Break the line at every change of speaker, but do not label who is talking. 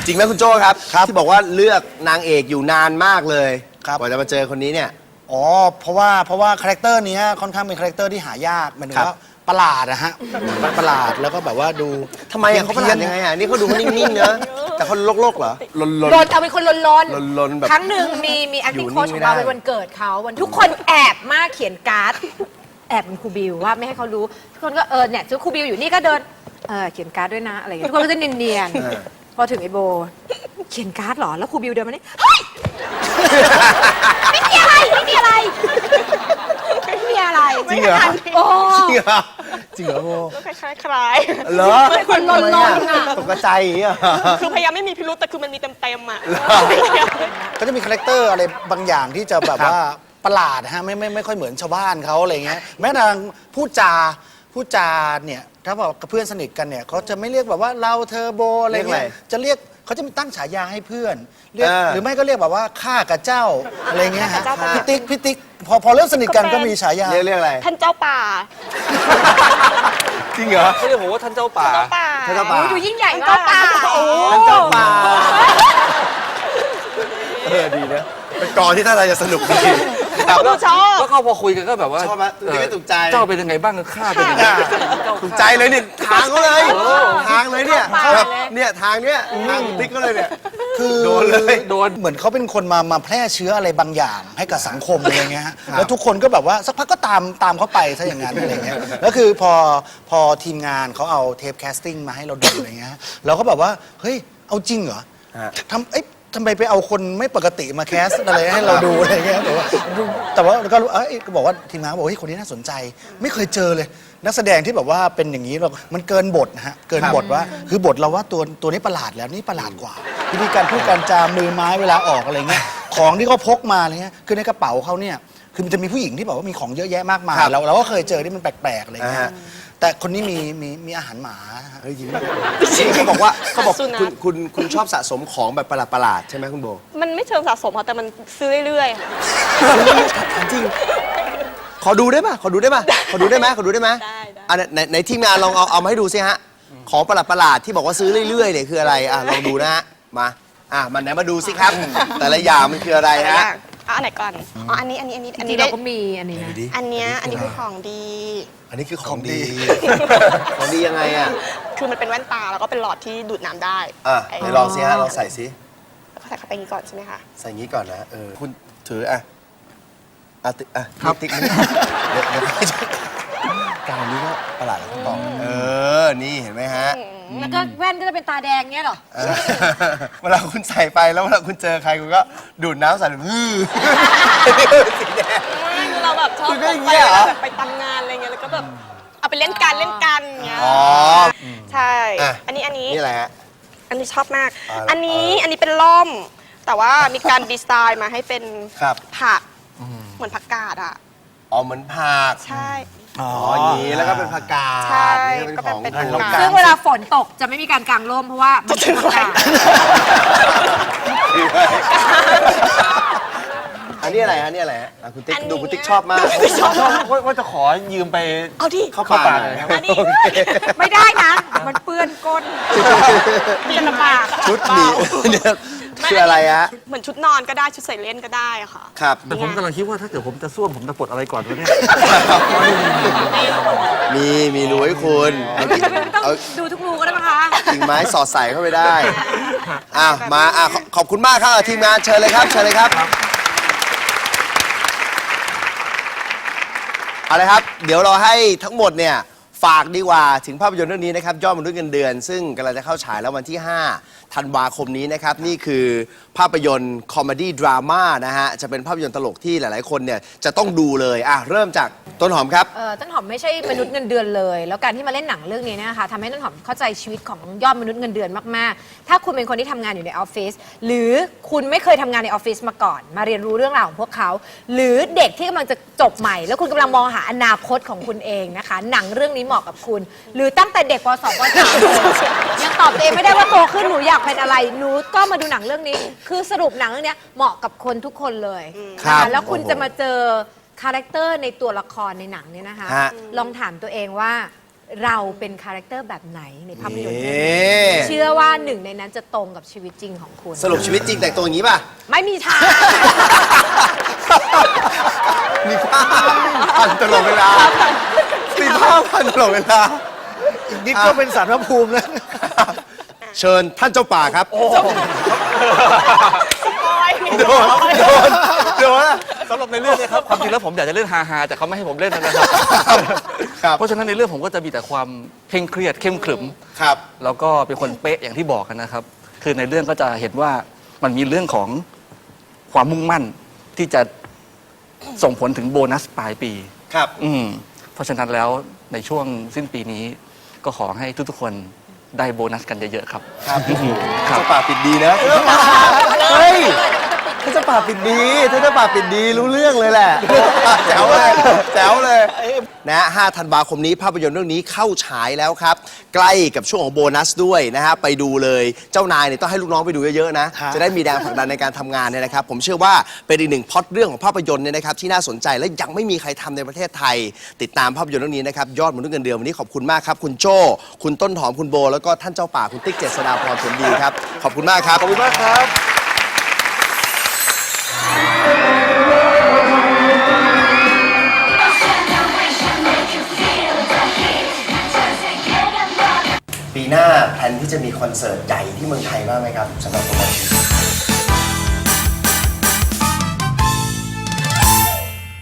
จริงไหมคุณโจ้ครับที่บอกว่าเลือกนางเอกอยู่นานมากเลยกว่าจะมาเจอคนนี้เนี่ย
อ๋อเพราะว่าคาแรคเตอร์นี้ค่อนข้างเป็นคาแรคเตอร์ที่หายากหมายถึงว่าประหลาดนะฮะประหลาดแล้วก็แบบว่าดู
ทำไมเขาประหลาดยังไงอ่ะนี่เขาดูนิ่งๆเนอะแต่เขาโลกเหรอลน
เอาเป็นคนลนแบบครั้งหนึ่งมี acting coach ของเราเป็นวันเกิดเขาวันทุกคนแอบมากเขียนการ์ดแอบเป็นครูบิวว่าไม่ให้เขารู้ทุกคนก็เนี่ยครูบิวอยู่นี่ก็เดินเขียนการ์ดด้วยนะอะไรอย่างเงี้ยทุกคนก็จะเนียนๆพอถึงไอโบเขียนการ์ดเหรอแล้วครูบิวเดินมานี่เฮ้ยไม่มีอะไรจริงเหรอโอ้
จริงเหรอโบ
ก็คล้ายๆ
เหรอ
คนลนๆอ่ะ
ตกใจอย่างเงี้ย
คือพยายามไม่มีพิรุธแต่คือมันมีเต็มๆอ่ะ
ก็จะมีคาแรคเตอร์อะไรบางอย่างที่จะแบบว่าประหลาดฮะไม่ค่อยเหมือนชาวบ้านเขาอะไรเงี้ยแม้แต่พูดจาเนี่ยถ้าบอกกับเพื่อนสนิทกันเนี่ยเขาจะไม่เรียกแบบว่าเราเธอโบอะไรเงี้ยจะเรียกเขาจะตั้งฉายาให้เพื่อนเรียกหรือไม่ก็เรียกแบบว่าข้ากับเจ้าอะไรเงี้ยฮะพี่ติ๊กพอเริ่มสนิทกันก็มีฉายา
เรียกอะไร
ท่านเจ้าป่า
จริงเหรอ
เขาเรียกผมว่าท่านเจ้าป่า
ท่านเจ้าป่า
ดูยิ่งใหญ่มาก
ท่านเจ้าป่าดีนะเป็นกองที่ท่าทางจะสนุกดี
ชอบ
แล้วก็พอคุยกันก็แบบว่า
ชอบไหมถูกใจ
เจ้าเป็นยังไงบ้างข้าเป็นยังไง
ถูกใจเลยเนี่ยทางเขาเลยทางเลยเนี่ยเนี่ยทางเนี้ยทางติ๊กเขาเลยเนี่ย
คือโดนเลยเหมือนเขาเป็นคนมาแพร่เชื้ออะไรบางอย่างให้กับสังคมอะไรเงี้ยฮะแล้วทุกคนก็แบบว่าสักพักก็ตามเขาไปซะอย่างนั้นอะไรเงี้ยแล้วคือพอทีมงานเขาเอาเทปแคสติ้งมาให้เราดูอะไรเงี้ยเราก็แบบว่าเฮ้ยเอาจริงเหรอทำไมไปเอาคนไม่ปกติมาแคสอะไรให้เราดูอะไรเงี้ยแต่ว่าก็บอกว่าทีมงานบอกว่าคนนี้น่าสนใจไม่เคยเจอเลยนักแสดงที่แบบว่าเป็นอย่างนี้มันเกินบทนะฮะเกินบทว่าคือบทเราว่าตัวนี้ประหลาดแล้วนี่ประหลาดกว่าวิธีการพูดการจามือไม้เวลาออกอะไรเงี้ยของที่เขาพกมาอะไรเงี้ยคือในกระเป๋าเขาเนี่ยคือมันจะมีผู้หญิงที่บอกว่ามีของเยอะแยะมากมายเราก็เคยเจอที่มันแปลกๆอะไรเงี้ยแต่คนนี้มีอาหารหมา
จริงเขาบอกคุณชอบสะสมของแบบประหลาดใช่ไหมคุณโบ
มันไม่เชิงสะสมค่ะแต่มันซื้อเรื่อย
ๆจริงขอดูได้ไหมขอดูได้ไหมในทีมงานลองเอามาให้ดูสิฮะของประหลาดที่บอกว่าซื้อเรื่อยๆเนี่ยคืออะไรลองดูนะฮะมันไหนมาดูสิครับแต่ละอย่างมันคืออะไรฮะ
อันไหนก่อนอันนี้
เราก็มีอันนี้นะ
อันนี้คือของดี
อันนี้คือของดีของดียังไงอ่ะ
คือมันเป็นแว่นตาแล้วก็เป็นหลอดที่ดูดน้ำได้
เดี๋ยวลองสิฮะลองใส่สิ
แล้วก็ใส่เข้าไปอย่างนี้ก่อนใช่ไหมคะ
ใส่อย่างนี้ก่อนนะคุณถือติ๊กเดี๋ยวการนี้ก็ประหลาดแล้วต้องนี่เห็นไหมฮะ
แล้วก็แว่นก็จะเป็นตาแดงเงี้ยหรอ
เวลาคุณใส่ไปแล้วเวลาคุณเจอใครคุณก็ดูดน้ำใส่
เราแบบชอบไปทำงานอะไรเงี้ยแล้วก็แบบเอาไปเล่นกันเงี้ยใช่อันนี้
นี่อะไรฮะ
อันนี้ชอบมากอันนี้เป็นล่มแต่ว่ามีการดีไซน์มาให้เป็นผักเหมือนผักกาดอ่ะ
เหมือนผัก
ใช่
อย่างนี้แล้วก็เป็นผักกาด
ใช่
ก็เป็นของ
ซึ่งเวลาฝนตกจะไม่มีการกางร่มเพราะว่ามันเป็นผักกาด
อันนี้อะไรฮะคุณติ๊กดูคุณติ๊กชอบมาก
ชอบว่าจะขอยืมไป
เอาที่
เข้าป่า
ไม่ได้นะมันเปื้อนก้น
เป็นลำบาก
ชุดนี้เนี่ยคืออะไรฮะ
เหมือนชุดนอนก็ได้ชุดใส่เล่นก็ได้ค่ะ
ครับ
แต่ผมกำลังคิดว่าถ้าเกิดผมจะส้วมผมจะปลดอะไรก่อนวะเนี่ย
มีรูให้คุณ
ต้องดูทุกรูก็ได้ไหมคะ
กิ่งไม้สอดใส่เข้าไปได้มาขอบคุณมากครับทีมงานเชิญเลยครับเอาเลยครับเดี๋ยวเราให้ทั้งหมดเนี่ยฝากดีกว่าถึงภาพยนตร์เรื่องนี้นะครับยอดมนุษย์เงินเดือนซึ่งกำลังจะเข้าฉายแล้ววันที่5 ธันวาคมนี้นะครับนี่คือภาพยนตร์คอมเมดี้ดราม่านะฮะจะเป็นภาพยนตร์ตลกที่หลายๆคนเนี่ยจะต้องดูเลยเริ่มจากต้นหอมครับ
ต้นหอมไม่ใช่มนุษย์เงินเดือนเลยแล้วการที่มาเล่นหนังเรื่องนี้นะคะทำให้ต้นหอมเข้าใจชีวิตของยอดมนุษย์เงินเดือนมากๆถ้าคุณเป็นคนที่ทำงานอยู่ในออฟฟิศหรือคุณไม่เคยทำงานในออฟฟิศมาก่อนมาเรียนรู้เรื่องราวของพวกเขาหรือเด็กที่กำลังจะจบใหม่แล้วคุณกำลังมองหาอนาคตของคุณเองนะคะหนังเรื่องนี้เหมาะกับคุณหรือตั้งแต่เด็กป .2 ป .3 ยังตอบตัวเองไม่ได้ว่าโตขึ้นหนูอยากเป็นอะไรหนูก็มาดูหนังเรื่องนี้คือสรุปหนังเรื่องนี้เหมาะกับคนทุกคนเลยแล้วคุณจะมาเจอคาแรคเตอร์ในตัวละครในหนังเนี่ยนะคะลองถามตัวเองว่าเราเป็นคาแรคเตอร์แบบไหนในภาพยนตร์
เอ๊
เรื่องนี้
ะ
เชื่อว่าหนึ่งในนั้นจะตรงกับชีวิตจริงของคุณ
สรุปชีวิตจริงแต่งตัวอย่างนี้ป่ะ
ไม่มีทาง
มีผ้าพันตลอดเวลา มีผ้าพันตลอดเวลา
อีกนิดก็เป็นสารพระภูมิแล้ว
เชิญท่านเจ้าป่าครับ โดนอะ
สำหรับในเรื่องเนี้ครับความจริงแล้วผมอยากจะเล่นฮาๆแต่เขาไม่ให้ผมเล่นนะครับ
ครับ
เพราะฉะนั้นในเรื่องผมก็จะมีแต่ความเคร่งเครียดเข้มขรึม
ครับ
แล้วก็เป็นคนเป๊ะอย่างที่บอกกันนะครับ คือในเรื่องก็จะเห็นว่ามันมีเรื่องของความมุ่งมั่นที่จะส่งผลถึงโบนัสปลายปี
ครับ
เพราะฉะนั้นแล้วในช่วงสิ้นปีนี้ก็ขอให้ทุกๆคนได้โบนัสกันเยอะๆครับ
ครับ
ครับ
เจ้าป่าปิดดีนะเฮ้ยท่านเจ้าป่าปิดดีท่านเจ้าป่าปิดดีรู้เรื่องเลยแหละแจ๋วเลยแจ๋วเลยนะ5 ธันวาคมนี้ภาพยนตร์เรื่องนี้เข้าฉายแล้วครับ ใกล้กับช่วงของโบนัสด้วยนะฮะไปดูเลยเจ้านายเนี่ยต้องให้ลูกน้องไปดูเยอะๆนะ
ฮะ
จะได้มีแรงผลักดันในการทำงานเนี่ยนะครับ ผมเชื่อว่าเป็นอีกหนึ่งพล็อตเรื่องของภาพยนตร์เนี่ยนะครับที่น่าสนใจและยังไม่มีใครทำในประเทศไทย ติดตามภาพยนตร์เรื่องนี้นะครับยอดมนุษย์เงินเดือนวันนี้ขอบคุณมากครับคุณโจ้คุณต้นหอมคุณโบ แล้วก็ท่านเจ้าป่าคุณติ๊กเจษฎาพรผลดีครับขอบคุณมากครับขอบคุณมากครับ ปีหน้าแพลนที่จะมีคอนเสิร์ตใหญ่ที่เมืองไทยบ้างไหมครับสำหรับโปรโมชั่น